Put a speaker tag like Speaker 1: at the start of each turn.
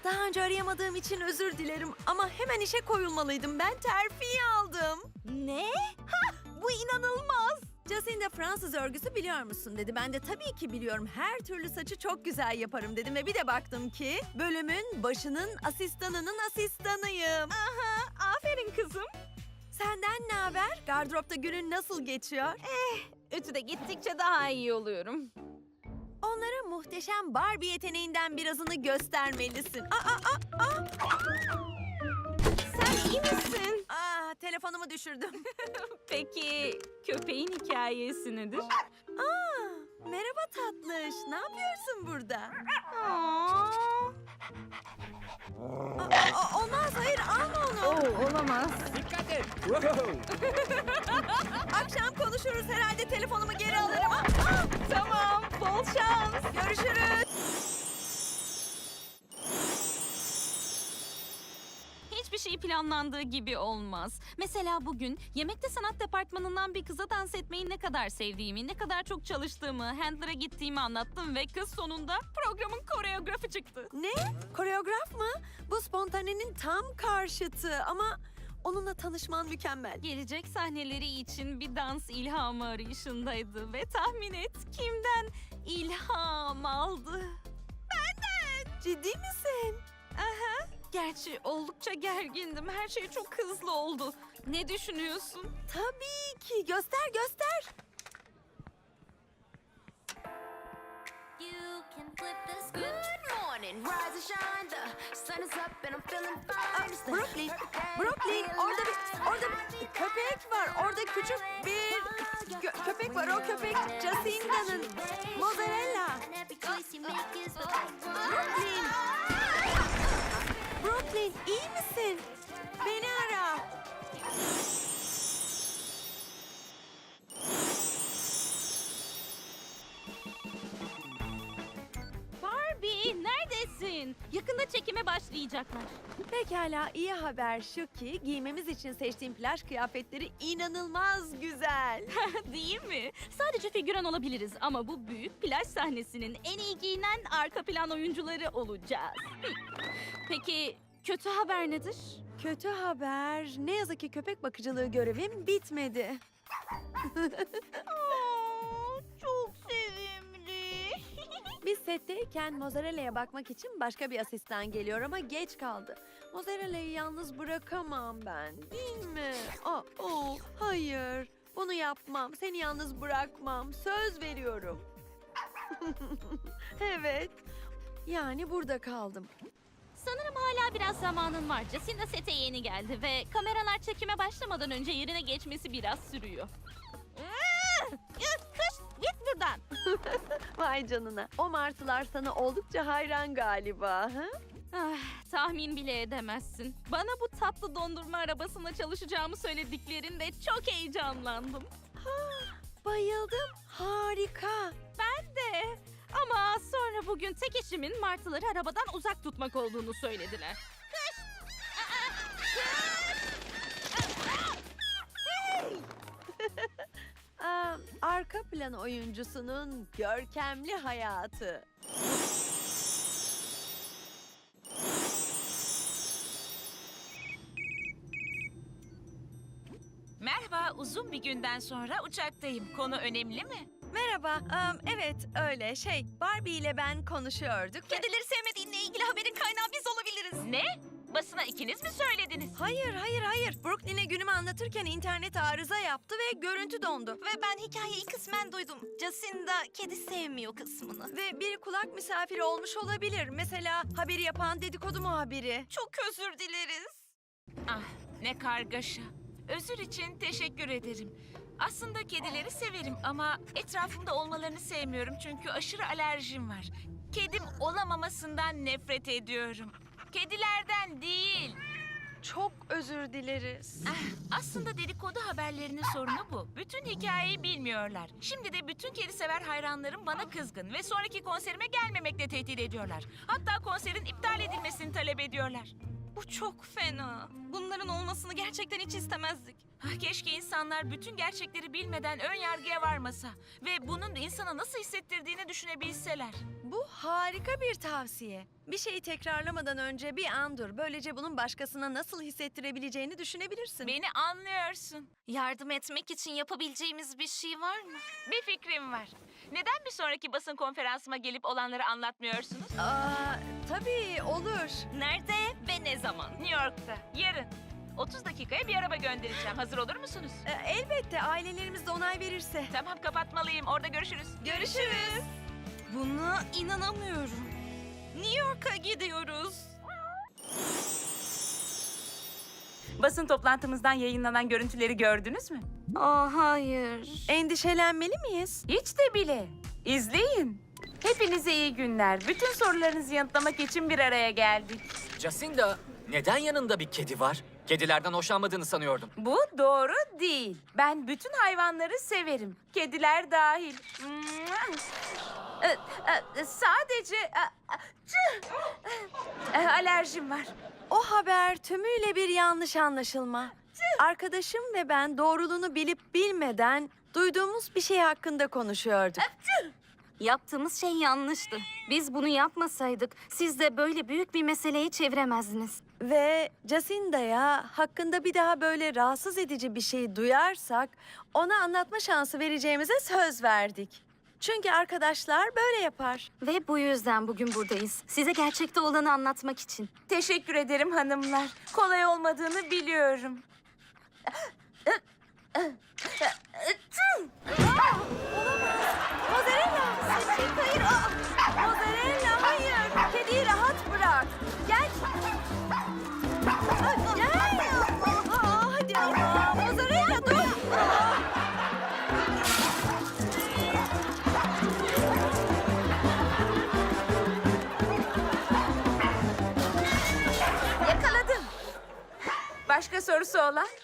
Speaker 1: Daha önce arayamadığım için özür dilerim ama hemen işe koyulmalıydım. Ben terfi aldım.
Speaker 2: Ne? Bu inanılmaz.
Speaker 1: Jacinda Fransız örgüsü biliyor musun dedi. Ben de tabii ki biliyorum. Her türlü saçı çok güzel yaparım dedim ve bir de baktım ki bölümün başının asistanının asistanıyım.
Speaker 2: Aferin kızım.
Speaker 1: Senden ne haber? Gardıropta günün nasıl geçiyor?
Speaker 2: Ütüde gittikçe daha iyi oluyorum.
Speaker 1: Onlara muhteşem Barbie yeteneğinden birazını göstermelisin.
Speaker 2: Sen iyi misin?
Speaker 1: Telefonumu düşürdüm.
Speaker 2: Peki köpeğin hikayesi nedir?
Speaker 1: Merhaba tatlış. Ne yapıyorsun burada? Olmaz, hayır alma onu.
Speaker 2: Olamaz.
Speaker 3: Dikkat et. Wow.
Speaker 1: Akşam konuşuruz herhalde telefonumu geri alırım.
Speaker 2: Tamam, bol şans.
Speaker 1: Görüşürüz.
Speaker 2: Hiçbir şey planlandığı gibi olmaz. Mesela bugün yemekte sanat departmanından bir kıza dans etmeyi ne kadar sevdiğimi, ne kadar çok çalıştığımı, handler'a gittiğimi anlattım ve kız sonunda programın koreografı çıktı.
Speaker 1: Ne? Koreograf mı? Bu spontanenin tam karşıtı ama onunla tanışman mükemmel.
Speaker 2: Gelecek sahneleri için bir dans ilhamı arayışındaydı ve tahmin et kimden ilham aldı?
Speaker 1: Ciddi misin?
Speaker 2: Gerçi oldukça gergindim. Her şey çok hızlı oldu. Ne düşünüyorsun?
Speaker 1: Tabii ki. Göster göster.
Speaker 4: You can flip the script. Good morning, rise and shine. The sun is up and I'm feeling fine. It's the
Speaker 1: Brooklyn,
Speaker 4: perfect day
Speaker 1: Brooklyn.
Speaker 4: to be
Speaker 1: Orada
Speaker 4: alive.
Speaker 1: bir köpek var. Orada küçük bir köpek var. O köpek Jacinda'nın. Mozzarella.
Speaker 4: And every choice you make is the right one.
Speaker 1: Brooklyn. Brooklyn, iyi misin? Beni ara.
Speaker 2: Barbie neredesin? Yakında çekime başlayacaklar.
Speaker 1: Pekala, iyi haber şu ki giymemiz için seçtiğim plaj kıyafetleri inanılmaz güzel.
Speaker 2: Değil mi? Sadece figüran olabiliriz ama bu büyük plaj sahnesinin en iyi giyinen arka plan oyuncuları olacağız. Peki kötü haber nedir?
Speaker 1: Kötü haber. Ne yazık ki köpek bakıcılığı görevim bitmedi.
Speaker 2: Çok sevimli.
Speaker 1: Biz setteyken Mozzarella'ya bakmak için başka bir asistan geliyor ama geç kaldı. Mozzarella'yı yalnız bırakamam ben, değil mi? Hayır. Bunu yapmam. Seni yalnız bırakmam. Söz veriyorum. Evet. Yani burada kaldım.
Speaker 2: Sanırım hala biraz zamanın var. Jacinda sete yeni geldi ve kameralar çekime başlamadan önce yerine geçmesi biraz sürüyor. Kış, git buradan.
Speaker 1: Vay canına. O martılar sana oldukça hayran galiba. Ha?
Speaker 2: Tahmin bile edemezsin. Bana bu tatlı dondurma arabasında çalışacağımı söylediklerinde çok heyecanlandım.
Speaker 1: Bayıldım. Harika.
Speaker 2: Ben de. Ama sonra bugün tek işimin martıları arabadan uzak tutmak olduğunu söylediler.
Speaker 1: Arka plan oyuncusunun görkemli hayatı.
Speaker 5: Merhaba, uzun bir günden sonra uçaktayım. Konu önemli mi?
Speaker 1: Merhaba. Evet öyle. Barbie ile ben konuşuyorduk.
Speaker 2: Kedileri sevmediğinle ilgili haberin kaynağı biz olabiliriz.
Speaker 5: Ne? Basına ikiniz mi söylediniz?
Speaker 1: Hayır. Brooklyn'e günümü anlatırken internet arıza yaptı ve görüntü dondu.
Speaker 2: Ve ben hikayeyi kısmen duydum. Jacinda kedi sevmiyor kısmını.
Speaker 1: Ve bir kulak misafiri olmuş olabilir. Mesela haberi yapan dedikodu muhabiri.
Speaker 2: Çok özür dileriz.
Speaker 5: Ah, ne kargaşa. Özür için teşekkür ederim. Aslında kedileri severim ama etrafımda olmalarını sevmiyorum çünkü aşırı alerjim var. Kedim olamamasından nefret ediyorum. Kedilerden değil.
Speaker 1: Çok özür dileriz.
Speaker 5: Aslında dedikodu haberlerinin sorunu bu. Bütün hikayeyi bilmiyorlar. Şimdi de bütün kedi sever hayranlarım bana kızgın ve sonraki konserime gelmemekle tehdit ediyorlar. Hatta konserin iptal edilmesini talep ediyorlar.
Speaker 2: Bu çok fena. Bunların olmasını gerçekten hiç istemezdik.
Speaker 5: Keşke insanlar bütün gerçekleri bilmeden ön yargıya varmasa ve bunun insana nasıl hissettirdiğini düşünebilseler.
Speaker 1: Bu harika bir tavsiye. Bir şeyi tekrarlamadan önce bir an dur. Böylece bunun başkasına nasıl hissettirebileceğini düşünebilirsin.
Speaker 5: Beni anlıyorsun.
Speaker 2: Yardım etmek için yapabileceğimiz bir şey var mı?
Speaker 5: Bir fikrim var. Neden bir sonraki basın konferansıma gelip olanları anlatmıyorsunuz?
Speaker 1: Tabii olur.
Speaker 2: Nerede ve ne zaman?
Speaker 5: New York'ta, yarın. 30 dakikaya bir araba göndereceğim. Hazır olur musunuz?
Speaker 1: Elbette ailelerimiz de onay verirse.
Speaker 5: Tamam, kapatmalıyım. Orada görüşürüz.
Speaker 1: Görüşürüz.
Speaker 2: Buna inanamıyorum. New York'a gidiyoruz.
Speaker 5: Basın toplantımızdan yayınlanan görüntüleri gördünüz mü?
Speaker 2: Hayır.
Speaker 1: Endişelenmeli miyiz?
Speaker 5: Hiç de bile. İzleyin. Hepinize iyi günler. Bütün sorularınızı yanıtlamak için bir araya geldik.
Speaker 3: Jacinda, neden yanında bir kedi var? Kedilerden hoşlanmadığını sanıyordum.
Speaker 5: Bu doğru değil. Ben bütün hayvanları severim. Kediler dahil. Sadece alerjim var.
Speaker 1: O haber tümüyle bir yanlış anlaşılma. Arkadaşım ve ben doğruluğunu bilip bilmeden duyduğumuz bir şey hakkında konuşuyorduk.
Speaker 6: Yaptığımız şey yanlıştı. Biz bunu yapmasaydık siz de böyle büyük bir meseleyi çeviremezdiniz.
Speaker 1: Ve Jacinda'ya hakkında bir daha böyle rahatsız edici bir şey duyarsak ona anlatma şansı vereceğimize söz verdik. Çünkü arkadaşlar böyle yapar.
Speaker 6: Ve bu yüzden bugün buradayız. Size gerçekte olanı anlatmak için.
Speaker 5: Teşekkür ederim hanımlar. Kolay olmadığını biliyorum.
Speaker 1: Mozzarella! Hayır! Mozzarella hayır! Kediyi rahat bırak. Gel! Gel! Hadi ama! Mozzarella dur!
Speaker 5: Yakaladım. Başka sorusu olan?